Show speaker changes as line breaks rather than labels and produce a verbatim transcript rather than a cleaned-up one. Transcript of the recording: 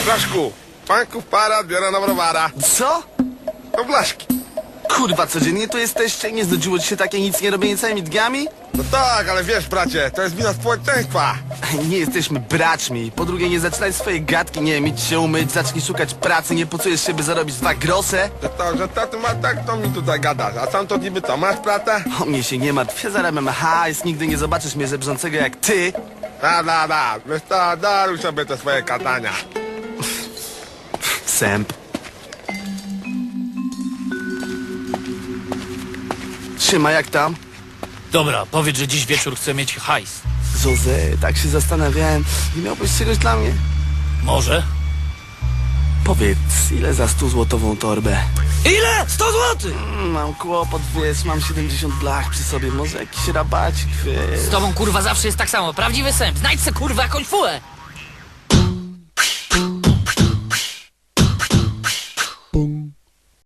Blaszku, panków para, biorę na browara.
Co?
No Blaszki.
Kurwa, codziennie tu jesteście? Nie znudziło ci się takie nic nie robienie całymi dniami?
No tak, ale wiesz, bracie, to jest wina społeczeństwa.
Nie jesteśmy braćmi. Po drugie, nie zaczynaj swojej gadki, nie mieć się umyć, zacznij szukać pracy, nie pocujesz się, by zarobić dwa grosze?
Że to, że to ty ma tak, to mi tutaj gadasz. A sam to niby co, masz pracę?
O mnie się nie martw, ja zarabiam hajs, nigdy nie zobaczysz mnie żebrzącego jak ty.
Da, da, da, wiesz to, daruj sobie te swoje gadania.
Sęp. Trzyma, jak tam?
Dobra, powiedz, że dziś wieczór chcę mieć hajs.
Jose, tak się zastanawiałem. Nie miałbyś czegoś dla mnie?
Może?
Powiedz, ile za stuzłotową torbę?
Ile? sto złotych!
Mm, Mam kłopot, wiesz, mam siedemdziesiąt blach przy sobie, może jakiś rabacik, wiesz.
Z tobą kurwa zawsze jest tak samo. Prawdziwy sęp. Znajdź se kurwa jakąś fułę.